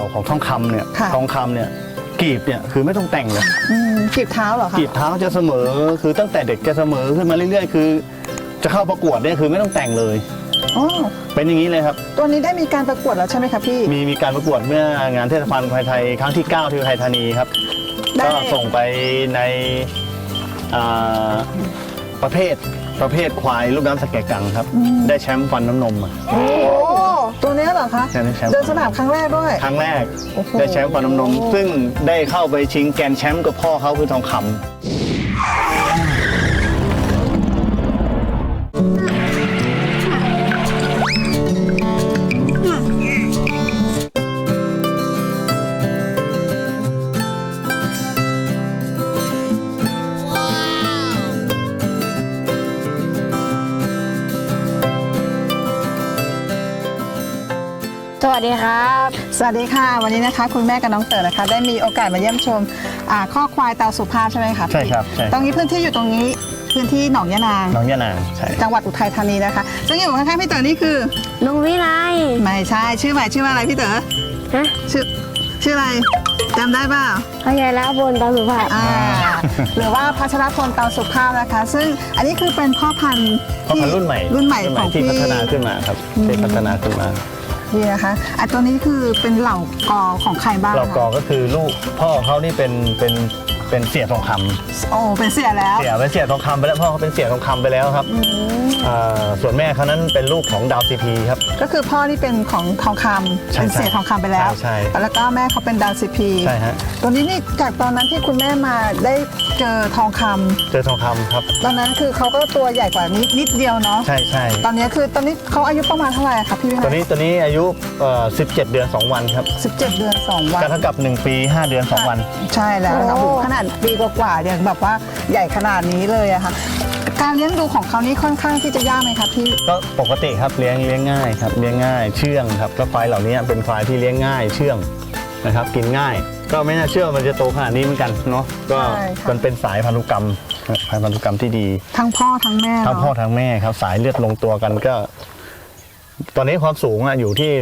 ของทองคำเนี่ยทองคำเนี่ยกีบเนี่ยคือไม่ต้องแต่งเลยกีบเท้าเหรอคะกีบเท้าจะเสมอคือตั้งแต่เด็กจะเสมอขึ้นมาเรื่อยๆคือจะเข้าประกวดเนี่ยคือไม่ต้องแต่งเลยเป็นอย่างนี้เลยครับตัวนี้ได้มีการประกวดแล้วใช่ไหมครับพี่มีการประกวดเมื่องานเทศกาลควายไทยครั้งที่9ที่อุทัยธานีครับก็ส่งไปในประเภทควายลูกน้ำสแกกังครับได้แชมป์ฟันน้ำนมโอ้ตัวนี้เหรอคะเดินสนามครั้งแรกด้วยครั้งแรกได้แชมป์ฟันน้ำนมซึ่งได้เข้าไปชิงแกรนด์แชมป์กับพ่อเขาคือทองคำสวัสดีครับสวัสดีค่ะวันนี้นะคะคุณแม่กับน้องเต๋อนะคะได้มีโอกาสมาเยี่ยมชมข้อควายตาสุภาพใช่ไหมคะใช่ครับใช่ตรงนี้พื้นที่อยู่ตรงนี้พื้นที่หนองยะนางใช่จังหวัดอุทัยธานีนะคะซึ่งอยู่ข้างๆพี่เต๋อนี่คือลุงวิไลไม่ใช่ชื่อใหม่ชื่อว่าอะไรพี่เต๋อฮะชื่ออะไรจำได้เปล่าพัชรพลตาสุภาพหรือว่าพัชรพลตาสุภาพนะคะซึ่งอันนี้คือเป็นพ่อพันธุ์รุ่นใหม่ของที่พัฒนาขึ้นมาครับที่พัฒนาขึ้นมานี่นะคะตัวนี้คือเป็นเหล่ากอของใครบ้างเหล่ากอก็คือลูกพ่อเขานี่เป็นเสี่ยทองคำโอ้เป็นเสี่ยแล้วเป็นเสี่ยทองคำไปแล้วพ่อเขาเป็นเสี่ยทองคำไปแล้วครับส่วนแม่เขานั้นเป็นลูกของดาวซีพีครับก็คือพ่อนี่เป็นของทองคำเป็นเสี่ยทองคำไปแล้วใช่แล้วก็แม่เขาเป็นดาวซีพีใช่ฮะตัวนี้นี่จากตอนนั้นที่คุณแม่มาได้เจอทองคำครับตอนนั้นคือเขาก็ตัวใหญ่กว่านิดเดียวเนาะใช่ตอนนี้เขาอายุประมาณเท่าไหร่ครับพี่วินัยตัวนี้อายุ17 เดือน 2 วันครับ 17 เดือน 2 วันก็เท่ากับ1 ปี 5 เดือน 2 วันใช่แล้วนะคะขนาดปีกว่าๆยังแบบว่าใหญ่ขนาดนี้เลยอะค่ะการเลี้ยงดูของเขานี่ค่อนข้างที่จะยากไหมครับพี่ก็ปกติครับเลี้ยงง่ายครับเลี้ยงง่ายเชื่องครับก็ควายเหล่านี้เป็นควายที่เลี้ยงง่ายเชื่องนะครับกินง่ายก็ไม่น่าเชื่อมันจะโตขนาดนี้เหมือนกันเนาะก็มันเป็นสายพันธุกรรมที่ดีทั้งพ่อทั้งแม่ครับสายเลือดลงตัวกันก็ตอนนี้ความสูงอยู่ที่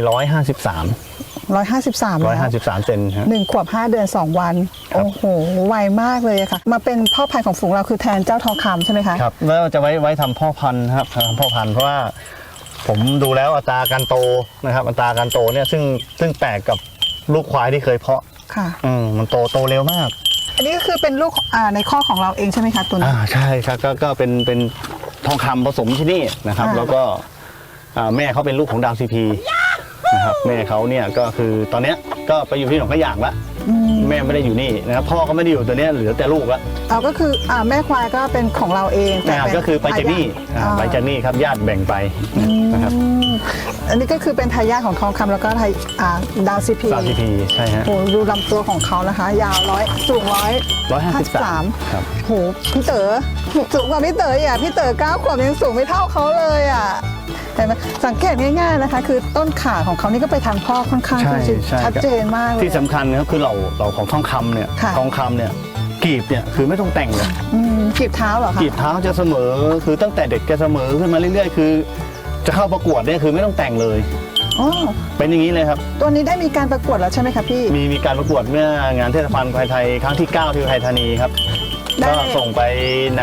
153เซนครับ 1 ขวบ 5 เดือน 2 วันโอ้โหไวมากเลยค่ะมาเป็นพ่อพันธุ์ของฝูงเราคือแทนเจ้าทองคำใช่ไหมคะครับแล้วจะไว้ทำพ่อพันธุ์ครับทำพ่อพันธุ์เพราะว่าผมดูแล้วอัตราการโตนะครับอัตราการโตเนี่ยซึ่งแปลกกับลูกควายที่เคยเพาะค่ะมันโตเร็วมากอันนี้ก็คือเป็นลูกในข้อของเราเองใช่ไหมคะตัวนี้ใช่ครับก็เป็นทองคำผสมที่นี่นะครับแล้วก็แม่เขาเป็นลูกของดาวซีพีนะครับแม่เขาเนี่ยก็คือตอนนี้ก็ไปอยู่ที่หนองกระหย่างละแม่ไม่ได้อยู่นี่นะครับพ่อก็ไม่ได้อยู่ตัวนี้เหลือแต่ลูกละก็คือแม่ควายก็เป็นของเราเองก็คือไปจากนี่ครับญาติแบ่งไปนะครับอันนี้ก็คือเป็นทายาทของทองคำแล้วก็ดาวซีพีใช่ฮะโหดูลำตัวของเขานะคะยาวสูง153 ครับโหพี่เต๋อสูงกว่าพี่เต๋ออ่ะพี่เต๋อ9 ขวบยังสูงไม่เท่าเขาเลยอ่ะสังเกตง่ายๆนะคะคือต้นขาของเขานี่ก็ไปทางพ่อค่อนข้างชัดเจนมากเลยที่สำคัญนะครับคือเราของทองคำเนี่ยกีบเนี่ยคือไม่ต้องแต่งเลยกีบเท้าเหรอคะกีบเท้าจะเสมอคือตั้งแต่เด็กจะเสมอขึ้นมาเรื่อยๆคือจะเข้าประกวดเนี่ยคือไม่ต้องแต่งเลยเป็นอย่างนี้เลยครับตัวนี้ได้มีการประกวดแล้วใช่ไหมครับพี่มีการประกวดเมื่องานเทศกาลควายไทยครั้งที่9ที่อุทัยธานีครับก็ส่งไปใน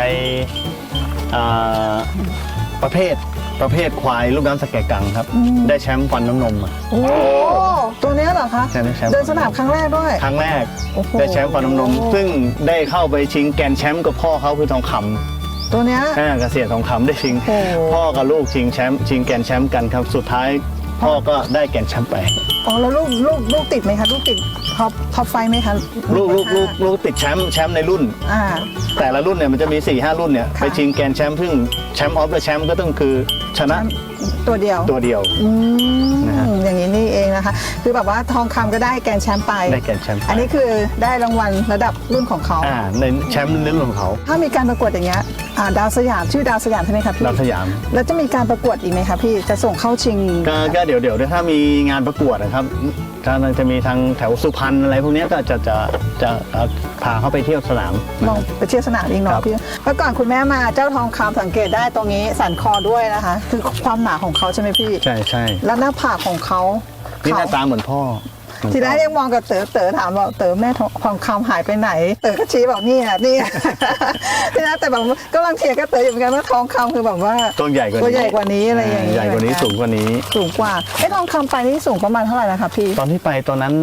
ประเภทควายลูกน้ำสแกกังครับได้แชมป์ฟันน้ำนมโอ้ตัวนี้เหรอคะเดินสนามครั้งแรกด้วยครั้งแรกได้แชมป์ฟันน้ำนมซึ่งได้เข้าไปชิงแกรนด์แชมป์กับพ่อเขาคือทองคำตัวนี้เกษตรทองคำได้ชิงพ่อกับลูกชิงแกรนด์แชมป์กันครับสุดท้ายพ่อก็ได้แกรนด์แชมป์ไปแล้วลูกติดไหมคะลูกติดท็อปไฟไหมคะลูกติดแชมป์ในรุ่นแต่ละรุ่นเนี่ยมันจะมี 4-5 รุ่นเนี่ยไปชิงแกรนด์แชมป์ซึ่งแชมป์ออฟเดอะแชมป์ก็ต้องคือชนะตัวเดียวอย่างนี้นี่เองนะคะคือแบบว่าทองคำก็ได้แกรนด์แชมป์ไปอันนี้คือได้รางวัลระดับรุ่นของเขาในแชมป์รุ่นของเขาถ้ามีการประกวดอย่างเงี้ยดาวสยามชื่อดาวสยามใช่ไหมครับพี่ดาวสยามแล้วจะมีการประกวดอีกไหมครับพี่จะส่งเข้าชิงก็เดี๋ยวถ้ามีงานประกวดนะครับจะมีทางแถวสุพรรณอะไรพวกนี้ก็จะพาเขาไปเที่ยวสนามลองไปเที่ยวสนามอีกหน่อยพี่เมื่อก่อนคุณแม่มาเจ้าทองคำสังเกตได้ตรงนี้สันคอด้วยนะคะคือความหนาของเขาใช่ไหมพี่ใช่แล้วหน้าผากของเขานี่หน้าตาเหมือนพ่อทีแรกยังมองกับเต๋อถามบอกเต๋อแม่ทองคำหายไปไหน เต๋อก็ชี้บอกนี่ ทีแรกแต่แบบกำลังเถียงกับเต๋ออยู่เหมือนกันว่าทองคำคือแบบว่าตัวใหญ่กว่านี้ตัวใหญ่กว่านี้อะไรอย่างเงี้ยใหญ่กว่านี้สูงกว่านี้สูงกว่าไอ้ทองคำไปนี่สูงประมาณเท่าไหร่นะคะพี่ตอนที่ไปตอนนั้น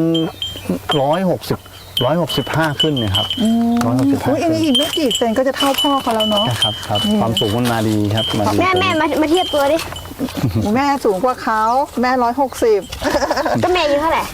165ขึ้นเนี่ยครับ165 อุ้ยอันนี้อีกไม่กี่เซนก็จะเท่าพ่อเขาแล้วเนาะครับความสูงมันมาดีครับมาดีแม่มาเทียบตัวดิแม่สูงกว่าเขาแม่160 ก็แม่อายู่เท่าไหร่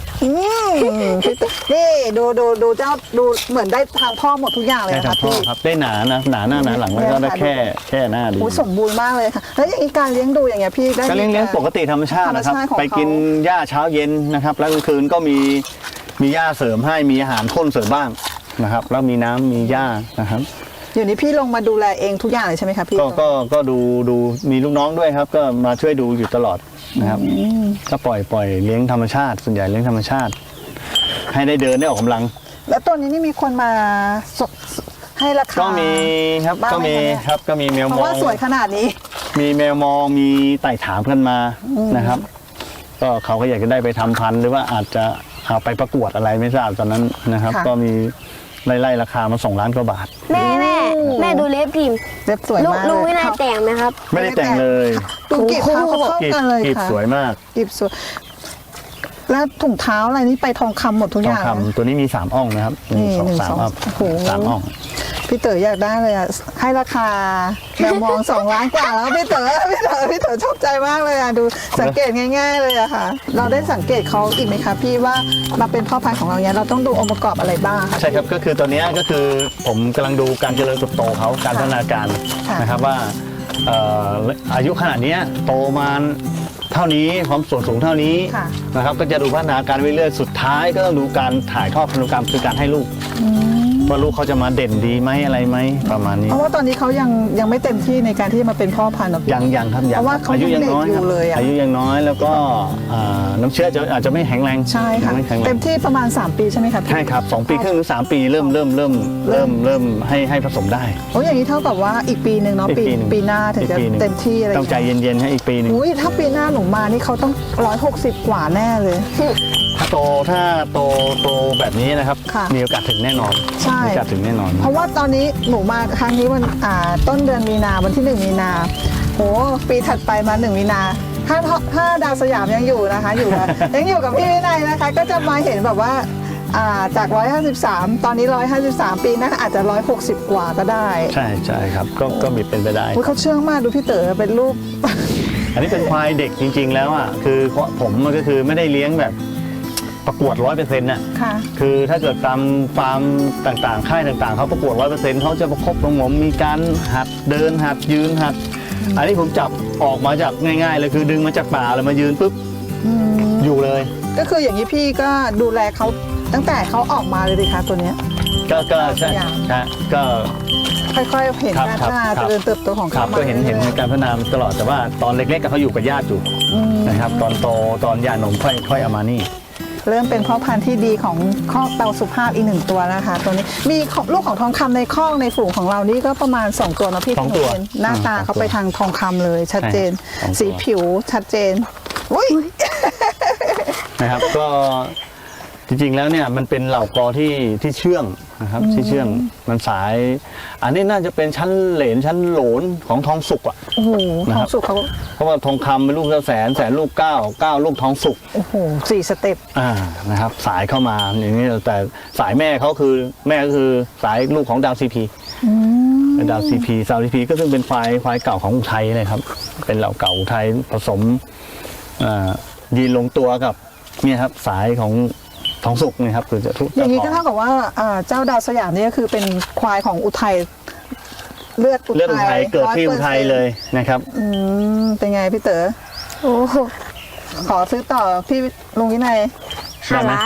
นี่ดูเจ้าดูเหมือนได้ทางพ่อหมดทุกอย่างเลยได้นะทาคะงพ่อพี่ครับได้หนานะหนาหน้าหนาหลังแล้วก็ได้แค่หน้าดีโอ้ยสมบูรณ์มากเลยค่ะแล้วอย่างนี้การเลี้ยงดูอย่างเงี้ยพี่ได้ก็เลี้ยงปกติธรรมชาตินะครับธรรมชาติของเขาไปกินหญ้าเช้าเย็นนะครับแล้วกลางคืนก็มีหญ้าเสริมให้มีอาหารข้นเสริมบ้างนะครับแล้วมีน้ำมีหญ้านะครับอยู่นี้พี่ลงมาดูแลเองทุกอย่างเลยใช่ไหมคะพี่ก็ดูมีลูกน้องด้วยครับ ก็มาช่วยดูอยู่ตลอดนะครับก็ปล่อยเลี้ยงธรรมชาติส่วนใหญ่เลี้ยงธรรมชาติ ให้ได้เดินได้ออกกำลังแล้วตัวนี้นี่มีคนมาให้ราคาก็มีครับบ้างก็ไหมมีคะเนี่ยครับก็มีแมวเพมราะอว่าง สวยขนาดนี้มีแมวมองมีไต่ถามกันมานะครับ ก็เขาก็อยากจะได้ไปทำพันธุ์หรือว่าอาจจะเอาไปประกวดอะไรไม่ทราบตอนนั้นนะครับค่ะก็มีไล่ราคามา2 ล้านกว่าบาทแม่ดูเล็บพิมพ์เล็บสวยมากลุงวินัยแต่งไหมครับไม่ได้แต่งเลยดูกีบเท้าเขาเข้ากีบกันเลยกีบค่ะสวยมากกีบสวยแล้วถุงเท้าอะไรนี่ไปทองคำหมดทุกทอองย่างคำตัวนี้มี3 อ่องนะครับนี่ 1 2 1 2 3 อ่องโอ้โห 3 อ่องพี่เต๋ออยากได้เลยอ่ะให้ราคาแมวมอง2 ล้านกว่าแล้วพี่เต๋อชอบใจมากเลยอ่ะดูสังเกตง่าย ๆเลยอะค่ะ เราได้สังเกตเขาอีกไหมคะพี่ว่ามาเป็นพ่อพันธุ์ของเราเนี่ยเราต้องดูองค์ประกอบอะไรบ้างคะใช่ครับก็คือตัวเนี้ยก็คือผมกำลังดูการเจริญเติบโตเขาการพัฒนาการค่ะนะครับว่าอายุขนาดเนี้ยโตมาเท่านี้ความส่วนสูงเท่านี้ค่ะนะครับก็จะดูพัฒนาการไปเรื่อยสุดท้ายก็ต้องดูการถ่ายทอดพันธุกรรมคือการให้ลูกว่าลูกเขาจะมาเด่นดีไหมอะไรไหมประมาณนี้เพราะว่าตอนนี้เขายังไม่เต็มที่ในการที่จะมาเป็นพ่อพันธุ์หรอกยังครับยังเพราะว่าเขาอายุยังน้อยยังเด็กอยู่ครับเลยอะอายุยังน้อยแล้วก็น้ำเชื้ออาจจะไม่แข็งแรงใช่ค่ะยังไม่แข็งแรเต็งมที่ประมาณ3 ปีใช่ไหมคะพี่ใช่ครับ2 ปีครึ่งหรือ3 ปีเริ่มให้ผสมได้โอ้ยอย่างนี้เท่ากับว่าอีกปีหนึ่งเนาะอีกปีหนึ่งปีหน้าถึงจะอีกปีหนึ่งเต็มที่อะไรต้องใจเย็นๆให้อีกปีหนึงอุ้ยถ้าปีหน้าหนูมานี่เขาต้อง160 กว่าแน่เลยถ้าโตแบบนี้นะครับค่ะมีโอกาสถึงแน่นอนใช่มีโอกาสถึงแน่นอนเพราะว่าตอนนี้หนูมาครั้งนี้วันต้นเดือนมีนาวันที่1 มีนาโหปีถัดไปมา1 มีนาถ้าดาวสยามยังอยู่นะคะอยู่ นะ ยังอยู่กับพี่วินัยนะคะ ก็จะมาเห็นแบบว่าจาก153ตอนนี้153ปีหนะอาจจะ160กว่าก็ได้ใช่ครับก็มีเป็นไปได้อุ๊ยเขาเชื่องมากดูพี่เต๋อเป็นรูปอันนี้เป็นควายเด็กจริง ๆ แล้วอ่ะคือผมมันก็คือไม่ได้เลี้ยงแบบประกวด 100%น่ะค่ะคือถ้าเกิดตามฟาร์มต่างๆค่ายต่างๆเขาประกวด 100%เขาจะประคบประหงมมีการหัดเดินหัดยืนหัด อันนี้ผมจับออกมาจากง่ายๆเลยคือดึงมาจากป่าเลยมายืนปุ๊บอยู่เลยก็คืออย่างนี้พี่ก็ดูแลเขาตั้งแต่เขาออกมาเลยดิคะตัวเนี้ยก็ใช่อย่างใช่ก็ค่อยๆเห็นครับการครัพับฒนาครัเจบริญเติบโตของครัเขาบมาก็เห็นรื่อยๆการพัฒนาตลอดแต่ว่าตอนเล็กๆก็เขาอยู่กับญาติอยู่นะครับตอนโตตอนยานมค่อยเอามานี่เริ่มเป็นพ่อพันธุ์ที่ดีของคอกเตาสุภาพอีก1 ตัวนะคะ ตัวนี้มีลูกของทองคำในคอกในฝูงของเรานี่ก็ประมาณ2 ตัวนะพี่ 2 ตัวที่เห็นหน้าตาเขาไปทางทองคำเลยชัดเจนใช่2 ตัวสีผิวชัดเจนอุ้ยนะครับก็จริงๆแล้วเนี่ยมันเป็นเหล่ากอที่เชื่องนะครับที่เชื่องมันสาย อันนี้น่าจะเป็นชั้นเหลนชั้นโหลนของทองสุกอ่ะโอ้โหนะทคอรังบสุกเขาเพราะว่าทองคำเป็นลูกแสนลูก9ลูกทองสุกโอ้โห4 สเต็ปนะครับสายเข้ามาอย่างนี้แต่สายแม่เขาคือแม่ก็คือสายลูกของดาวซีพีเป็นดาวซีพีก็ซึ่งเป็นควายเก่าของอุทัยนะครับเป็นเหล่าเก่าอุทัยผสมยีนลงตัวกับเนี่ยครับสายของทองสุกเนี่ยครับคือจะทุกอย่างนี้ก็เท่ากับว่าเจ้าดาวสยามนี่ก็คือเป็นควายของอุทัยเลือดเลือดอุทัยเกิดที่อุทัยเลยนะครับเป็นไงพี่เต๋อโอ้โหขอซื้อต่อพี่ลุงวินัย 5 ล้าน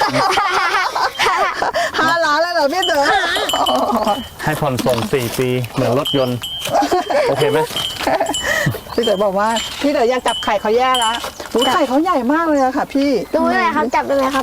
5 ล้านแล้วเหรอพี่เต๋อให้ผ่อนส่ง4 ปีเหมือนรถยนต์ โอเคไหมพี่เต๋อบอกว่าพี่เต๋ออยากจับไข่เขาแย่แล้วหูไข่เขาใหญ่มากเลยอะค่ะพี่ดูได้ไหมครับจับได้ไหมครับ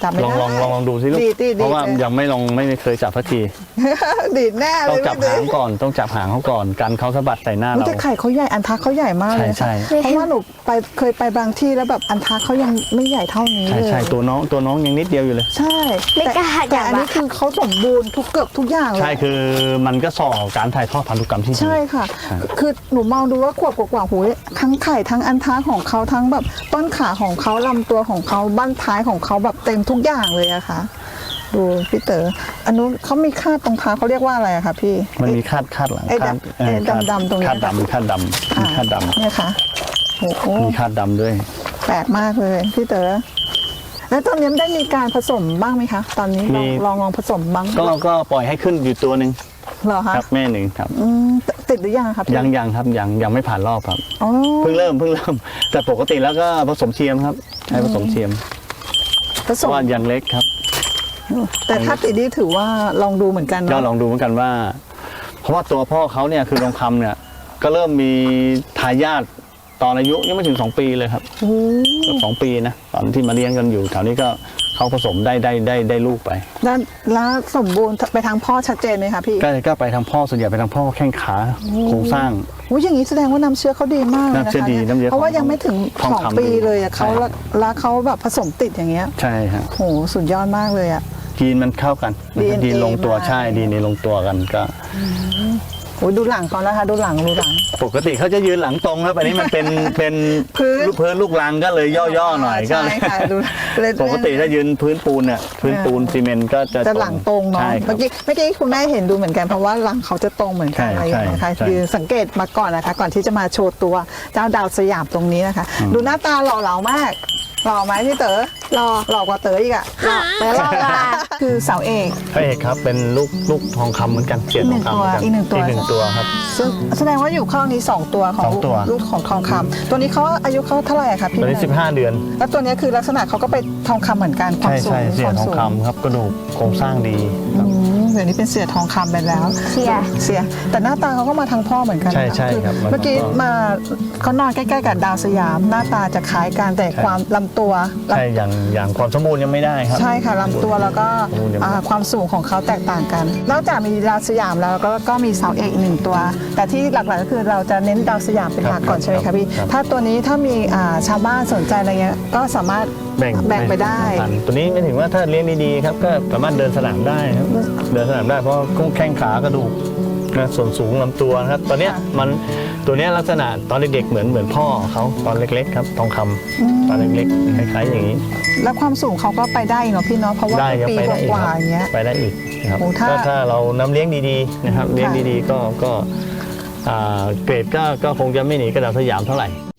จับไม่ลองได้ลองดูสิลูกดีเพราะว่าดียังไม่เคยจับสักทีดีดแน่เลต้องยจับพี่หางเต๋ก่อนต้องจับหางเขาก่อนกันเขาสะบัดใส่หน้าอุ๊ยเราแต่ไข่เขาใหญ่อันทักเขาใหญ่มากเลยใช่ค่ะเพราะว่าหนูเคยไปบางที่แล้วแบบอันทักเขายังไม่ใหญ่เท่านี้ใช่เลยใช่ตัวน้องยังนิดเดียวอยู่เลยใช่ไม่กล้าแต่จับอันนี้อะคือเขาสมบูรณ์เกือบทุกอย่างเลยใช่คือมันก็ส่อการถ่ายทอดพันธุกรรมที่ดีใช่ค่ะใช่คือหนูมองดูว่าขวบกว่าๆหูยทั้งไข่ทั้งอันท้าของเขาทั้งแบบต้นขาของเขาลำตัวของเขาบั้นท้ายของเขาแบบเต็มทุกอย่างเลยอะค่ะ ดูพี่เต๋ออันนู้นเขามีคาดตรงเท้าเขาเรียกว่าอะไรอะคะพี่มันมีคาดหลังไอ้คาดดำๆตรงเนี้ยคาดดำมีคาดดำมีคาดดเนี่ยค่ะโอ้โหำมีคาดดำด้วยแปลกมากเลยพี่เต๋อแล้วตอนนี้ได้มีการผสมบ้างไหมคะ ตอนนี้ลองผสมบ้างก็ปล่อยให้ขึ้นอยู่ตัวหนึ่งเหรอคะครับแม่หนึ่งครับติดหรือยังครับพี่ยังครับยังไม่ผ่านรอบครับอ๋อเพิ่งเริ่มแต่ปกติแล้วก็ผสมเทียมครับใช้ผสมเทียมผสเพราะมว่ายังเล็กครับแต่ถ้าติดนี่ถือว่าลองดูเหมือนกันก็เนาะลองดูเหมือนกันว่า เพราะว่าตัวพ่อเขาเนี่ยคือทองคำเนี่ยก็เริ่มมีทายาทตอนอายุยังไม่ถึง2 ปีเลยครับโอ้เกือบ2 ปีนะตอนที่มาเลี้ยงกันอยู่แถวนี้ก็เขาผสมได้ลูกไปแล้วสมบูรณ์ไปทางพ่อชัดเจนไหมคะพี่ก็ไปทางพ่อส่วนใหญ่ไปทางพ่อแข้งขาโครงสร้างโอ้ยอย่างนี้แสดงว่าน้ำเชื้อเขาดีมากเลยนะคะน้ำเชื้อดีน้ำเชื้อเพราะว่ายังไม่ถึงทองคำ 2 ปีเลยอะเขาใช่แล้วเขาแบบผสมติดอย่างเงี้ยใช่ฮะโหสุดยอดมากเลยอะยีนมันเข้ากัน DNA ยีนลงตัวมาใช่ดีในลงตัวกันก็โอ้ยดูหลังก่อนนะคะดูหลังปกติเขาจะยืนหลังตรงครับอันนี้มันเป็นพื้นลูกรังก็เลยย่อๆหน่อยก็ใช่ค่ะดูเลยปกติถ้ายืนพื้นปูนเนี่ยพื้นปูนซีเมนต์ก็จะจะหลังตรงเนาะใช่ครัเมื่บอกี้คุณแม่เห็นดูเหมือนกันเพราะว่าหลังเขาจะตรงเหมือนกันใช่อะไรอย่างเงี้ยนะคะใช่คือสังเกตมาก่อนนะคะ ก่อนที่จะมาโชว์ตัวเจ้าดาวสยามตรงนี้นะคะ ดูหน้าตาหล่อเหลามากหล่อไหมพี่เต๋อรอหล่อกว่าเต๋ออีกอะรอเปิดรอลาคือเสาเอกพระเอกครับเป็นลูกทองคำเหมือนกันเสียนทองคำเหมือนกันอีกหนึ่งตัวอีกหนึ่งตัวครับซึ่งแสดงว่าอยู่ข้างนี้2 ตัวของสองตัวลูกของทองคำตัวนี้เขาอายุเขาเท่าไหร่อะคะพี่ตอนนี้แม่ 15 เดือนแล้วตัวนี้คือลักษณะเขาก็เป็นทองคำเหมือนกันความใช่สูงใช่เสียนทองสูงคำครับกระดูกโครงสร้างดีครับเดี๋ยวนี้เป็นเสือทองคำไปแล้วเสียแต่หน้าตาเขาก็มาทางพ่อเหมือนกันนะใช่ใช่คือครับเมื่อกี้มาเขานอนใกล้ๆกับดาวสยาม หน้าตาจะคล้ายกันแต่ความลำตัวใช่อย่างความสมบูรณ์ยังไม่ได้ครับใช่ค่ะลำตัวแล้วก็สมบูรณ์ยังไม่ได้ความสูงของเขาแตกต่างกัน นอกจากมีดาวสยามแล้วก็มีเสาเอกอีกหนึ่งตัว แต่ที่หลักๆก็คือเราจะเน้นดาวสยามเป็นหลักก่อนใช่ไหมคะพี่ครับถ้าตัวนี้ถ้ามีชาวบ้านสนใจอะไรเงี้ยก็สามารถแบ่งไปได้กันตัวนี้ไม่ถึงว่าถ้าเลี้ยงดีๆครับก็สามารถเดินสนามได้ครับเดินสนามได้เพราะแข้งขากระดูกนะส่วนสูงลำตัวนะครับตอนเนี้ยตัวเนี้ยลักษณะตอนเด็กๆเหมือนพ่อเขาตอนเล็กๆครับทองคำตอนเล็กๆคล้ายๆอย่างนี้แล้วความสูงเขาก็ไปได้เนาะพี่เนาะเพราะว่าได้ครับปีไปได้อีกกว่าครับๆอย่างเงี้ยไปได้อีกนะครับโอ้ถ้าก็ถ้าเราน้ำเลี้ยงดีๆนะครับเลี้ยงดีๆก็เกรดก็คงจะไม่หนีกระดาษสยามเท่าไหร่